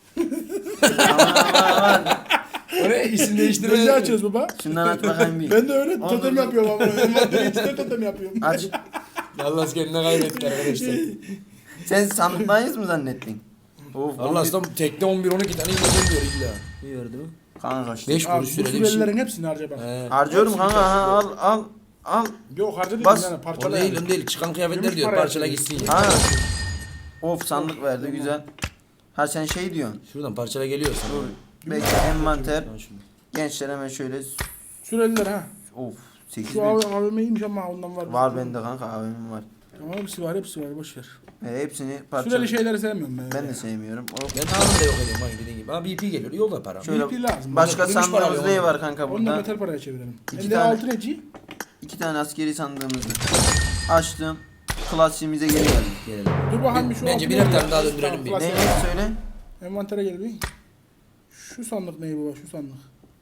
[SPEAKER 1] Aman aman.
[SPEAKER 2] O ne isim değiştirme.
[SPEAKER 3] Biz de açıyoruz baba.
[SPEAKER 1] Şundan aç bakayım bir.
[SPEAKER 3] Ben de öyle
[SPEAKER 1] Anladım.
[SPEAKER 3] totem yapıyorum ama. Envanteri içinde totem yapıyorum.
[SPEAKER 1] Aç.
[SPEAKER 2] Allah kendine kaybetti arkadaşlar.
[SPEAKER 1] Sen sandıktayız mı zannettin? Of.
[SPEAKER 2] Allah
[SPEAKER 1] on bir-
[SPEAKER 2] aslan tekne on bir on iki tane yiyeceğim diyor illa. İyi verdi mi?
[SPEAKER 1] Kanka işte.
[SPEAKER 2] beş
[SPEAKER 3] Abi
[SPEAKER 2] kuruş
[SPEAKER 3] bu
[SPEAKER 2] süreli bir şey.
[SPEAKER 3] sürelilerin hepsini harca bak.
[SPEAKER 2] He.
[SPEAKER 1] Harcıyorum kanka ha al al al.
[SPEAKER 3] Yok harcadık
[SPEAKER 1] Bas.
[SPEAKER 3] yani
[SPEAKER 2] O
[SPEAKER 3] parçalı
[SPEAKER 2] değil
[SPEAKER 3] yani.
[SPEAKER 2] o değil. Çıkan kıyafetler
[SPEAKER 3] Gümüş
[SPEAKER 2] diyor.
[SPEAKER 3] para
[SPEAKER 2] Parçala
[SPEAKER 3] yapıyor.
[SPEAKER 2] gitsin ya.
[SPEAKER 1] Ha. Of sandık verdi güzel. Ha sen şey diyorsun.
[SPEAKER 2] Şuradan parçala geliyor sana.
[SPEAKER 1] Dur. Belki envanter.
[SPEAKER 2] Al şunu.
[SPEAKER 1] Gençler hemen şöyle.
[SPEAKER 3] Süreliler ha.
[SPEAKER 1] Of. sekiz
[SPEAKER 3] Şu
[SPEAKER 1] bin.
[SPEAKER 3] A V M'ymiş ama ondan var.
[SPEAKER 1] Var bende kanka abimim var.
[SPEAKER 3] Tamam hepsi var hepsi var boş ver.
[SPEAKER 1] E, hepsini parça.
[SPEAKER 3] Süreli şeyleri sevmiyorum ben.
[SPEAKER 1] Ben de sevmiyorum. Hop.
[SPEAKER 2] Ben anında yok ediyorum bak dediğin gibi. Ama B P geliyor. Yolda para.
[SPEAKER 1] Şöyle
[SPEAKER 3] B P lazım.
[SPEAKER 1] başka
[SPEAKER 2] Gümüş para
[SPEAKER 1] sandığımız
[SPEAKER 2] alıyorum.
[SPEAKER 1] ne var kanka
[SPEAKER 3] Onu da
[SPEAKER 1] burada?
[SPEAKER 3] metal paraya çevirelim.
[SPEAKER 1] İki
[SPEAKER 3] Elde
[SPEAKER 1] tane.
[SPEAKER 3] altı neci?
[SPEAKER 1] İki tane askeri sandığımızı açtım. Klasiğimize geri geldim.
[SPEAKER 2] Gelelim.
[SPEAKER 3] Dur bakalım bir şu
[SPEAKER 2] Bence
[SPEAKER 3] altı
[SPEAKER 2] birer
[SPEAKER 3] neci?
[SPEAKER 2] tane daha döndürelim bir.
[SPEAKER 3] Tamam,
[SPEAKER 1] Ne
[SPEAKER 3] klasik.
[SPEAKER 1] söyle?
[SPEAKER 3] Envantere gel bir. Şu sandık ne baba şu sandık.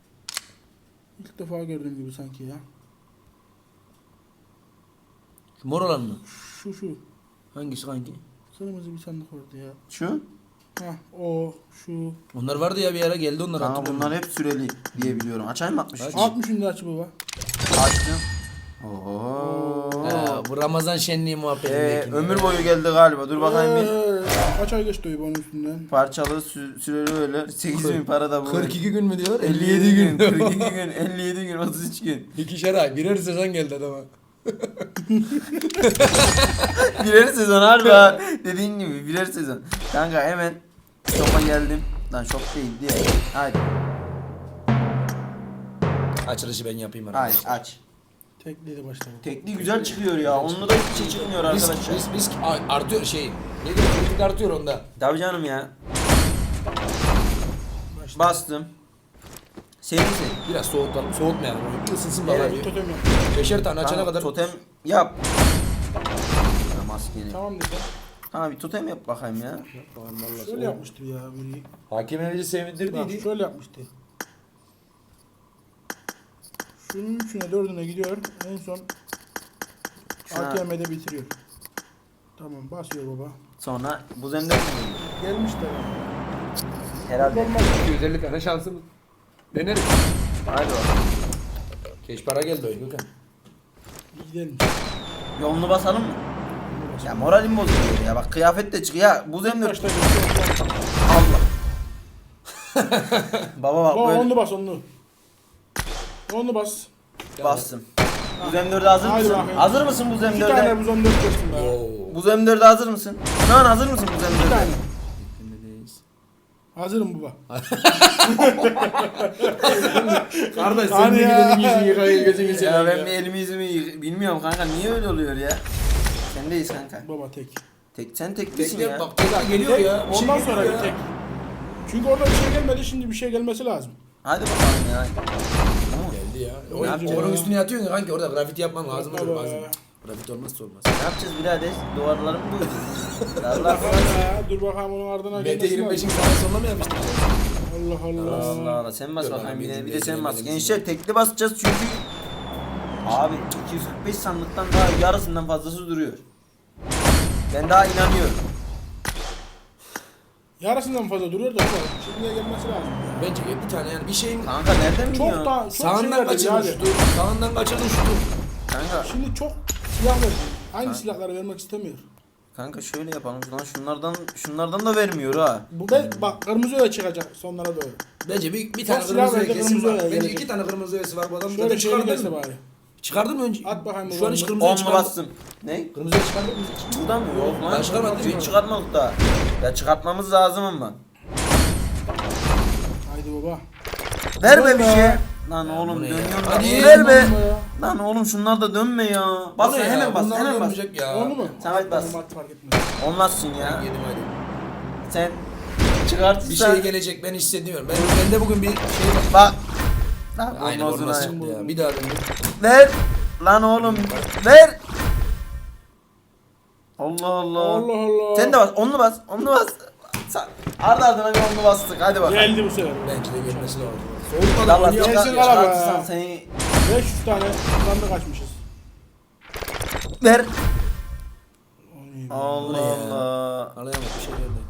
[SPEAKER 3] İlk defa gördüğüm gibi sanki ya.
[SPEAKER 2] Şu mor olan mı?
[SPEAKER 3] Şu şu.
[SPEAKER 2] Hangisi kanki?
[SPEAKER 3] Kırmızı bir sandık vardı ya.
[SPEAKER 1] Şu.
[SPEAKER 3] Hah o şu.
[SPEAKER 2] Onlar vardı ya bir ara geldi onlar
[SPEAKER 1] Kanka
[SPEAKER 2] hatırlıyorum.
[SPEAKER 1] bunlar hep süreli diye biliyorum. Açayım mı altmış üç?
[SPEAKER 2] Aç.
[SPEAKER 3] altmışın da açı baba.
[SPEAKER 1] Açtım. Oo.
[SPEAKER 2] Ha, bu Ramazan şenliği muhabbeti.
[SPEAKER 1] Ee,
[SPEAKER 2] belki.
[SPEAKER 1] ömür boyu geldi galiba. Dur bakayım bir.
[SPEAKER 3] Ee, Kaç ay geçti onun üstünden?
[SPEAKER 1] Parçalı sü- süreli öyle. sekiz bin para da bu.
[SPEAKER 2] kırk iki gün mü diyor?
[SPEAKER 1] elli yedi gün. kırk iki gün. elli yedi gün. otuz üç gün.
[SPEAKER 2] İkişer ay. Birer sezon geldi adama.
[SPEAKER 1] Birer sezon harbi ha. Dediğin gibi birer sezon. Kanka hemen shop'a geldim. Lan shop değil diye. Hadi.
[SPEAKER 2] Açılışı ben yapayım
[SPEAKER 1] Hadi
[SPEAKER 2] arkadaşlar.
[SPEAKER 1] aç.
[SPEAKER 3] Tekliyle başlayalım.
[SPEAKER 1] Tekli güzel çıkıyor ya. Onunla da hiçbir şey çıkmıyor
[SPEAKER 2] Risk,
[SPEAKER 1] arkadaşlar.
[SPEAKER 2] risk, risk a- artıyor şey. Ne diyor? Kritik artıyor onda.
[SPEAKER 1] Tabii canım ya.
[SPEAKER 3] Başla.
[SPEAKER 1] Bastım. Senin sen.
[SPEAKER 2] Biraz soğutalım. Soğutmayalım. oyunu. Bir ısınsın
[SPEAKER 1] Evet,
[SPEAKER 2] bakalım.
[SPEAKER 3] Totem yap.
[SPEAKER 2] Beşer tane açana
[SPEAKER 1] Tamam,
[SPEAKER 2] kadar.
[SPEAKER 1] totem yap. Ya maskeli.
[SPEAKER 3] Tamam dedi.
[SPEAKER 1] Tamam bir totem yap bakayım ya.
[SPEAKER 3] Şöyle yapmıştır ya biri.
[SPEAKER 2] Hakem Emel'i
[SPEAKER 3] Bak
[SPEAKER 2] sevindirdiydi.
[SPEAKER 3] şöyle yapmıştı. Şunun üçüne dördüne gidiyor. En son
[SPEAKER 1] Şuna-
[SPEAKER 3] A T M'de bitiriyor. Tamam basıyor baba.
[SPEAKER 1] Sonra bu zemde mi geliyor?
[SPEAKER 3] Gelmiş de.
[SPEAKER 1] Herhalde.
[SPEAKER 3] Olmaz.
[SPEAKER 2] iki yüz elli tane şansımız. Deneriz.
[SPEAKER 1] Hadi bakalım.
[SPEAKER 2] Keş para geldi oyun Gökhan.
[SPEAKER 3] Gidelim.
[SPEAKER 1] Yolunu basalım mı? Ya moralim bozuluyor ya. Bak kıyafet de çıkıyor. Ya bu zemde
[SPEAKER 3] Başta geçiyor.
[SPEAKER 1] Allah. Baba bak
[SPEAKER 3] Baba
[SPEAKER 1] böyle
[SPEAKER 3] onlu bas onlu. Onlu bas.
[SPEAKER 1] bastım. Bu M dörde hazır
[SPEAKER 3] Hadi
[SPEAKER 1] mısın?
[SPEAKER 3] bakayım.
[SPEAKER 1] Hazır mısın bu
[SPEAKER 3] İki
[SPEAKER 1] M dörde?
[SPEAKER 3] tane buz on dört geçtim be.
[SPEAKER 2] Oo.
[SPEAKER 1] Bu M dörde hazır mısın? Şu an hazır mısın bu
[SPEAKER 3] İki
[SPEAKER 1] M dörde?
[SPEAKER 3] tane. Hazırım baba.
[SPEAKER 2] Kardeş sen
[SPEAKER 3] Hani
[SPEAKER 2] de
[SPEAKER 3] ya.
[SPEAKER 2] gidelim yüzünü yıkayın gözünü
[SPEAKER 1] Ya
[SPEAKER 2] seveyim
[SPEAKER 1] ben
[SPEAKER 2] ya.
[SPEAKER 1] bir elimi yüzümü yık- bilmiyorum kanka niye öyle oluyor ya? Sendeyiz kanka.
[SPEAKER 3] Baba tek.
[SPEAKER 1] Tek sen teklisin
[SPEAKER 2] Tekne
[SPEAKER 1] ya.
[SPEAKER 2] bak tekne geliyor
[SPEAKER 3] Tek,
[SPEAKER 2] ya. Bir şey
[SPEAKER 3] ondan
[SPEAKER 2] geliyor
[SPEAKER 3] sonra
[SPEAKER 2] ya.
[SPEAKER 3] bir tek. Çünkü orada bir şey gelmedi, şimdi bir şey gelmesi lazım.
[SPEAKER 1] Hadi bakalım ya.
[SPEAKER 2] Geldi ya.
[SPEAKER 1] Ne
[SPEAKER 2] O,
[SPEAKER 1] yapacağız
[SPEAKER 2] onun
[SPEAKER 1] ya?
[SPEAKER 2] üstüne yatıyorsun ya kanki orada grafiti yapman lazım
[SPEAKER 3] Baba.
[SPEAKER 2] olur lazım. Grafiti olmazsa olmaz.
[SPEAKER 1] Ne yapacağız birader? Duvarları mı boyayacağız?
[SPEAKER 3] Dur
[SPEAKER 1] Allah
[SPEAKER 3] bakalım ya, dur bakalım onun ardına
[SPEAKER 2] M T
[SPEAKER 3] gelmesi
[SPEAKER 2] yirmi beşin
[SPEAKER 3] lazım.
[SPEAKER 2] sana sonuna mı yapmıştın?
[SPEAKER 3] Allah Allah.
[SPEAKER 1] Allah Allah sen bas
[SPEAKER 2] Dur
[SPEAKER 1] bakayım
[SPEAKER 2] bakalım,
[SPEAKER 1] bir de,
[SPEAKER 2] bizim
[SPEAKER 1] bir de sen
[SPEAKER 2] bizim
[SPEAKER 1] bas.
[SPEAKER 2] bizim
[SPEAKER 1] Gençler tekli basacağız çünkü abi iki yüz kırk beş sandıktan daha yarısından fazlası duruyor. Ben daha inanıyorum.
[SPEAKER 3] Yarısından fazla duruyor da baba. Şimdiye gelmesi lazım. ya.
[SPEAKER 2] Bence bir tane yani bir şeyin
[SPEAKER 1] Kanka nereden biliyorsun?
[SPEAKER 3] Çok da çok şey
[SPEAKER 2] sağından
[SPEAKER 3] verdi
[SPEAKER 2] kaçırdın
[SPEAKER 3] yani.
[SPEAKER 2] şutu. Sağından kaçırdın şutu.
[SPEAKER 1] Kanka,
[SPEAKER 3] Şimdi çok silah verdi. Aynı silahları vermek istemiyor.
[SPEAKER 1] kanka şöyle yapalım. Lan şunlardan şunlardan da vermiyor ha.
[SPEAKER 3] Bu da bak kırmızı öyle çıkacak sonlara doğru.
[SPEAKER 2] Bence bir, bir
[SPEAKER 3] Çok
[SPEAKER 2] tane
[SPEAKER 3] silah
[SPEAKER 2] kırmızı
[SPEAKER 3] verdi,
[SPEAKER 2] kesin
[SPEAKER 3] kırmızı
[SPEAKER 2] var.
[SPEAKER 3] öyle
[SPEAKER 2] Bence
[SPEAKER 3] gelecek.
[SPEAKER 2] iki tane kırmızı öğesi var bu adamın.
[SPEAKER 3] Şöyle şey
[SPEAKER 2] çıkardın
[SPEAKER 3] gelse
[SPEAKER 2] mı?
[SPEAKER 3] bari.
[SPEAKER 2] Çıkardın mı önce?
[SPEAKER 3] At bakayım
[SPEAKER 2] Şu an hiç
[SPEAKER 3] onu.
[SPEAKER 2] kırmızı
[SPEAKER 1] On mu
[SPEAKER 2] çıkardın.
[SPEAKER 1] bastım? Ne?
[SPEAKER 2] Kırmızı çıkardın mı?
[SPEAKER 1] Burada mı? Yok lan.
[SPEAKER 2] Ben çıkarmadım.
[SPEAKER 1] Hiç çıkartmadık daha. Ya çıkartmamız lazım ama.
[SPEAKER 3] Haydi baba.
[SPEAKER 1] Ver be
[SPEAKER 3] Dur
[SPEAKER 1] bir
[SPEAKER 3] be.
[SPEAKER 1] şey. Lan
[SPEAKER 2] bu
[SPEAKER 1] oğlum
[SPEAKER 2] ne ya?
[SPEAKER 1] dönüyorum da.
[SPEAKER 2] Hadi.
[SPEAKER 1] Ver be.
[SPEAKER 3] Tamam ya.
[SPEAKER 1] Lan oğlum şunlar da dönme ya. Bas
[SPEAKER 2] Bu ne
[SPEAKER 1] sen
[SPEAKER 2] ya?
[SPEAKER 1] hemen bas
[SPEAKER 2] Bunlar
[SPEAKER 1] hemen bas.
[SPEAKER 2] olmayacak ya.
[SPEAKER 3] Onu mu?
[SPEAKER 1] Samet bas.
[SPEAKER 3] Tamam, at fark etmez.
[SPEAKER 1] Olmazsın ya.
[SPEAKER 2] Yedim hadi.
[SPEAKER 1] Sen çıkartırsan.
[SPEAKER 2] Bir şey gelecek ben hissediyorum. Ben bende bugün bir şey var.
[SPEAKER 1] Bak. Lan
[SPEAKER 2] Aynı
[SPEAKER 1] olmaz
[SPEAKER 2] forması
[SPEAKER 1] ulan.
[SPEAKER 2] çıktı ya. Bir daha döndüm.
[SPEAKER 1] Ver. Lan oğlum ver. Allah Allah.
[SPEAKER 3] Allah Allah.
[SPEAKER 1] Sen de bas. Onlu bas. Onlu bas. Sen- Ardı ardına bir onlu bastık. Hadi bakalım.
[SPEAKER 3] Geldi bu sefer.
[SPEAKER 2] Bence de gelmesi lazım. Soğutmadan
[SPEAKER 1] Allah
[SPEAKER 2] oynuyor.
[SPEAKER 3] Gelsin
[SPEAKER 1] çıkar,
[SPEAKER 3] kala be.
[SPEAKER 1] çıkartırsan seni
[SPEAKER 3] beş yüz tane sandık açmışız.
[SPEAKER 1] ver.
[SPEAKER 3] Oy,
[SPEAKER 1] Allah
[SPEAKER 2] ya?
[SPEAKER 1] Allah.
[SPEAKER 2] Anlayamadım bir şey geldi.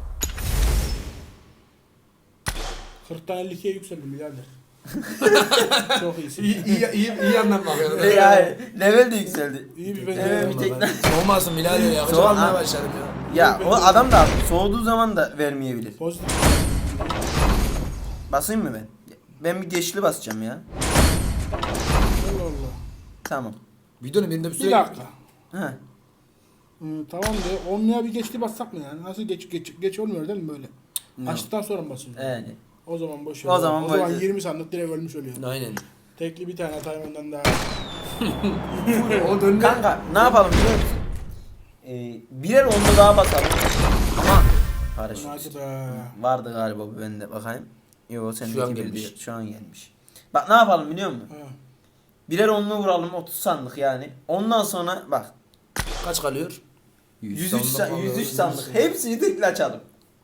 [SPEAKER 3] kırktan elli ikiye yükseldim birader. Çok iyisin.
[SPEAKER 2] İyi iyi iyi, iyi yandan bakıyorum.
[SPEAKER 1] Ne yani? Level de yükseldi.
[SPEAKER 3] İyi bir
[SPEAKER 1] Evet,
[SPEAKER 3] benzeri.
[SPEAKER 1] bir tekne.
[SPEAKER 2] Soğumasın Bilal ya.
[SPEAKER 1] Soğan
[SPEAKER 2] Soğan
[SPEAKER 1] ha.
[SPEAKER 2] başladım ya.
[SPEAKER 1] Ya o adam da soğuduğu zaman da vermeyebilir.
[SPEAKER 3] Pozitif.
[SPEAKER 1] Basayım mı ben? Ben bir geçli basacağım ya.
[SPEAKER 3] Allah Allah.
[SPEAKER 1] Tamam.
[SPEAKER 2] Videonun birinde bir
[SPEAKER 3] Bir
[SPEAKER 2] süre
[SPEAKER 3] dakika.
[SPEAKER 1] He.
[SPEAKER 3] Hı, tamam de onluya bir geçti bassak mı yani? Nasıl geç geç geç olmuyor değil mi böyle?
[SPEAKER 1] Ne?
[SPEAKER 3] Açtıktan sonra mı basıyorsun?
[SPEAKER 1] Yani.
[SPEAKER 3] O zaman boş ver.
[SPEAKER 1] O zaman
[SPEAKER 3] o
[SPEAKER 1] boş-
[SPEAKER 3] zaman yirmi sandık direkt ölmüş oluyor.
[SPEAKER 2] Aynen.
[SPEAKER 3] Tekli bir tane atayım ondan daha.
[SPEAKER 2] O döndü.
[SPEAKER 1] Kanka ne yapalım biliyor musun? Ee, birer onlu daha basalım. Ama paraşüt.
[SPEAKER 3] Hadi be.
[SPEAKER 1] Vardı galiba bu bende bakayım. Yo
[SPEAKER 2] Şu an
[SPEAKER 1] sendeki bir
[SPEAKER 2] gelmiş.
[SPEAKER 1] değil. Şu an gelmiş. Bak ne yapalım biliyor musun?
[SPEAKER 3] Ha.
[SPEAKER 1] Birer onlu vuralım otuz sandık yani. Ondan sonra bak
[SPEAKER 2] Kaç kalıyor?
[SPEAKER 1] yüz üç,
[SPEAKER 2] sandık
[SPEAKER 1] sa- yüz üç
[SPEAKER 2] alıyoruz.
[SPEAKER 1] sandık. Hepsini tekli açalım.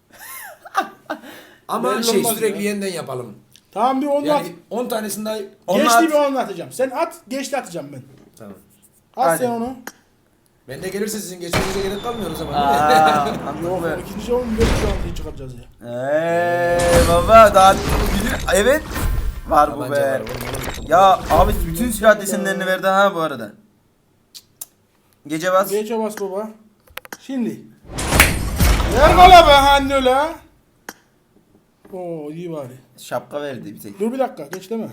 [SPEAKER 2] Ama
[SPEAKER 3] Belli
[SPEAKER 2] şey
[SPEAKER 3] olmaz
[SPEAKER 2] sürekli
[SPEAKER 3] ya.
[SPEAKER 2] yeniden yapalım.
[SPEAKER 3] Tamam bir onlu at.
[SPEAKER 2] Yani on tanesini daha...
[SPEAKER 1] Onu
[SPEAKER 3] Geçti
[SPEAKER 1] at.
[SPEAKER 3] bir onlu atacağım. Sen at, geçti atacağım ben.
[SPEAKER 2] Tamam.
[SPEAKER 3] At
[SPEAKER 1] Hadi.
[SPEAKER 3] sen onu.
[SPEAKER 2] Ben de gelirse sizin geçmenize gerek kalmıyor o zaman.
[SPEAKER 1] Aa,
[SPEAKER 3] Yok
[SPEAKER 1] anladım.
[SPEAKER 3] ikinci on beş altıyı çıkaracağız ya.
[SPEAKER 1] Eee baba daha bilir. Evet. Var bu
[SPEAKER 2] Tabanca
[SPEAKER 1] be.
[SPEAKER 2] var, oğlum, oğlum.
[SPEAKER 1] Ya abi bütün silah desenlerini verdi ha bu arada. Gece bas.
[SPEAKER 3] Geçe bas baba. Şimdi. Ver bana be anne öyle. Oo iyi bari.
[SPEAKER 1] Şapka verdi bir tek.
[SPEAKER 3] Dur bir dakika geç deme.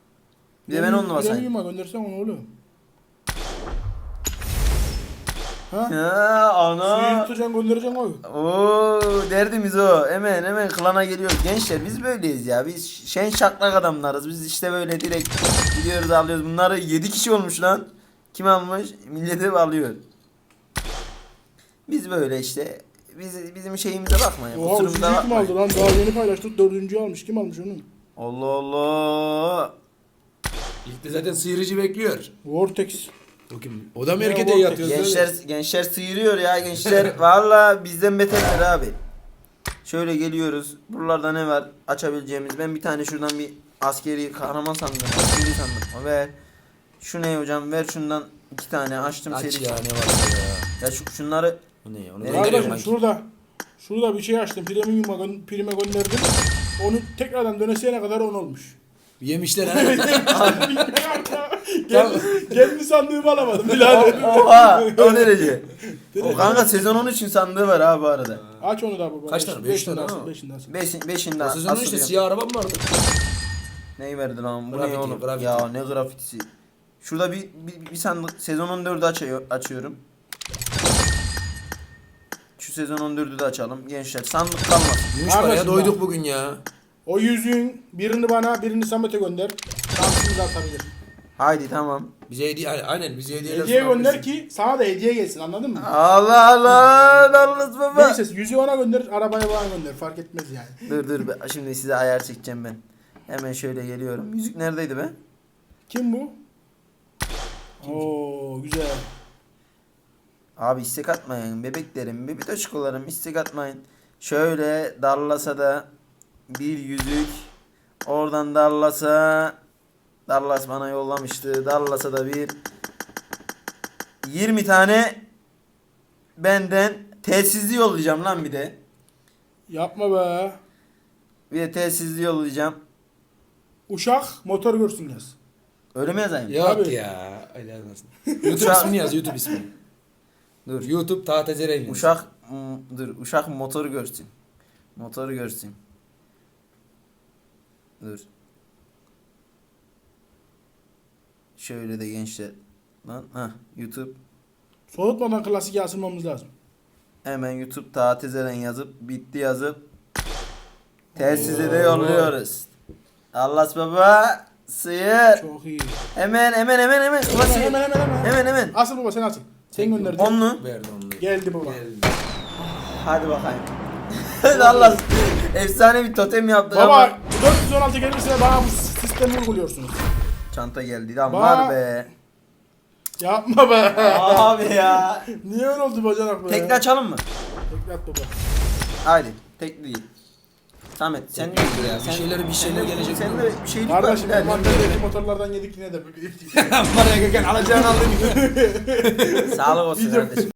[SPEAKER 1] Bir de ben onunla basayım.
[SPEAKER 3] Premium'a göndersen onu oğlum. Ha?
[SPEAKER 1] Ha
[SPEAKER 3] Suyu
[SPEAKER 1] ana.
[SPEAKER 3] tutacaksın göndereceksin oy.
[SPEAKER 1] Oo derdimiz o. Hemen hemen klana geliyoruz. Gençler biz böyleyiz ya. Biz şen şaklak adamlarız. Biz işte böyle direkt gidiyoruz alıyoruz. Bunları yedi kişi olmuş lan. Kim almış? Milleti alıyor. Biz böyle işte. Biz, bizim şeyimize bakmayın.
[SPEAKER 3] Oha
[SPEAKER 1] Kusurumuza
[SPEAKER 3] üçüncüyü kim
[SPEAKER 1] bakmayın.
[SPEAKER 3] aldı lan? Daha yeni paylaştık. Dördüncüyü almış. Kim almış onu?
[SPEAKER 1] Allah Allah.
[SPEAKER 2] İlk de zaten sıyırıcı bekliyor.
[SPEAKER 3] Vortex.
[SPEAKER 2] O kim? O da mı
[SPEAKER 3] Ya,
[SPEAKER 2] erkete
[SPEAKER 3] o
[SPEAKER 2] yatıyor?
[SPEAKER 1] Gençler gençler sıyırıyor ya gençler. Valla bizden beterler abi. Şöyle geliyoruz. Buralarda ne var açabileceğimiz? Ben bir tane şuradan bir askeri kahraman sandım. Askeri sandım. Ver. Şu ne hocam? Ver şundan iki tane açtım
[SPEAKER 2] Aç
[SPEAKER 1] seri.
[SPEAKER 2] ya ne var ya.
[SPEAKER 1] Ya şu, şunları
[SPEAKER 2] Bu ne ya? Onu
[SPEAKER 1] Nereye
[SPEAKER 2] gönderiyorum
[SPEAKER 3] Kardeşim
[SPEAKER 2] ben.
[SPEAKER 3] şurada. Şurada bir şey açtım. Premium'a gö- prime gönderdim. Onu tekrardan döneseyene kadar on olmuş.
[SPEAKER 2] Yemişler ha.
[SPEAKER 3] Gel, geldi sandığımı alamadım birader.
[SPEAKER 1] oha o derece. O kanka sezon on üçün sandığı var abi bu arada.
[SPEAKER 3] Aç onu da baba.
[SPEAKER 2] Kaç tane? Beş
[SPEAKER 3] Beşinde
[SPEAKER 2] tane
[SPEAKER 3] asıl,
[SPEAKER 2] ha.
[SPEAKER 3] beşinde asıl.
[SPEAKER 1] Beşin, beşinde
[SPEAKER 2] O sezonun işte
[SPEAKER 1] asılıyor.
[SPEAKER 2] siyah arabam vardı.
[SPEAKER 1] Neyi verdi lan? Bu
[SPEAKER 2] Grafiti,
[SPEAKER 1] ne oğlum?
[SPEAKER 2] grafiti.
[SPEAKER 1] Ya ne grafitisi. Şurada bir, bir, bir sandık sezon on dördü açıyor, açıyorum. Şu sezon on dördü de açalım. Gençler sandık kalmasın.
[SPEAKER 2] Gümüş var ya
[SPEAKER 3] Kardeşim
[SPEAKER 2] doyduk
[SPEAKER 3] bak.
[SPEAKER 2] bugün ya.
[SPEAKER 3] O yüzüğün birini bana birini Samet'e gönder. Şansımız atabilir.
[SPEAKER 1] Haydi tamam.
[SPEAKER 2] Bize hediye aynen bize hediyeler
[SPEAKER 3] Hediye
[SPEAKER 2] sunan
[SPEAKER 3] gönder
[SPEAKER 2] birisi.
[SPEAKER 3] ki sana da hediye gelsin anladın mı?
[SPEAKER 1] Allah Allah. Dallas baba.
[SPEAKER 3] Neyse yüzüğü ona gönder, arabaya bana gönder. Fark etmez yani.
[SPEAKER 1] Dur dur be, şimdi size ayar çekeceğim ben. Hemen şöyle geliyorum. Yüzük neredeydi be?
[SPEAKER 3] Kim bu? Oo güzel.
[SPEAKER 1] Abi istek atmayın bebeklerim, bebek aşkolarım istek atmayın. Şöyle Dallas'a da bir yüzük. Oradan Dallas'a Dallas bana yollamıştı. Dallas'a da bir yirmi tane benden telsizli yollayacağım lan bir de.
[SPEAKER 3] Yapma be.
[SPEAKER 1] Bir de telsizli yollayacağım.
[SPEAKER 3] Uşak motor görsün yaz.
[SPEAKER 1] Öyle mi yazayım?
[SPEAKER 2] Yok
[SPEAKER 3] Abi.
[SPEAKER 2] ya. Öyle yazmasın. YouTube ismini yaz YouTube ismini.
[SPEAKER 1] Dur.
[SPEAKER 2] YouTube Taha Zereyli.
[SPEAKER 1] Uşak m- dur uşak motoru görsün. Motoru görsün. Dur. Şöyle de gençler. Lan ha YouTube.
[SPEAKER 3] Soğutmadan klasik asılmamız lazım.
[SPEAKER 1] Hemen YouTube Taha Tezeren yazıp bitti yazıp telsize de yolluyoruz. Allah baba sıyır.
[SPEAKER 3] Çok iyi.
[SPEAKER 1] Hemen hemen hemen hemen.
[SPEAKER 3] Hemen
[SPEAKER 1] Klasik.
[SPEAKER 3] hemen hemen hemen.
[SPEAKER 1] Hemen hemen.
[SPEAKER 3] Asıl baba sen asıl. Sen gönderdin.
[SPEAKER 1] Onlu.
[SPEAKER 2] Verdi onu.
[SPEAKER 3] Geldi baba.
[SPEAKER 2] Geldi.
[SPEAKER 1] Hadi bakayım. Allah efsane bir totem yaptık ama.
[SPEAKER 3] Baba dört yüz on altı gelirse bana bu sistemi uyguluyorsunuz.
[SPEAKER 1] Çanta geldi lan
[SPEAKER 3] Ba-
[SPEAKER 1] var be.
[SPEAKER 3] Yapma be.
[SPEAKER 1] Abi ya.
[SPEAKER 3] Niye öyle oldu bacanak be?
[SPEAKER 1] Tekli açalım mı?
[SPEAKER 3] Tekli at baba.
[SPEAKER 1] Haydi. Tekli değil. Samet sen
[SPEAKER 2] Tekli değil ya, bir şeyler- bir şeyler
[SPEAKER 1] sen de-
[SPEAKER 2] gelecek
[SPEAKER 1] Sen
[SPEAKER 2] mi?
[SPEAKER 1] de bir şeylik var.
[SPEAKER 3] Kardeşim
[SPEAKER 1] birader.
[SPEAKER 3] envanterdeki motorlardan yedik yine de.
[SPEAKER 2] Var ya Gökhan alacağını aldın.
[SPEAKER 1] Sağlık olsun
[SPEAKER 3] Video-
[SPEAKER 1] kardeşim.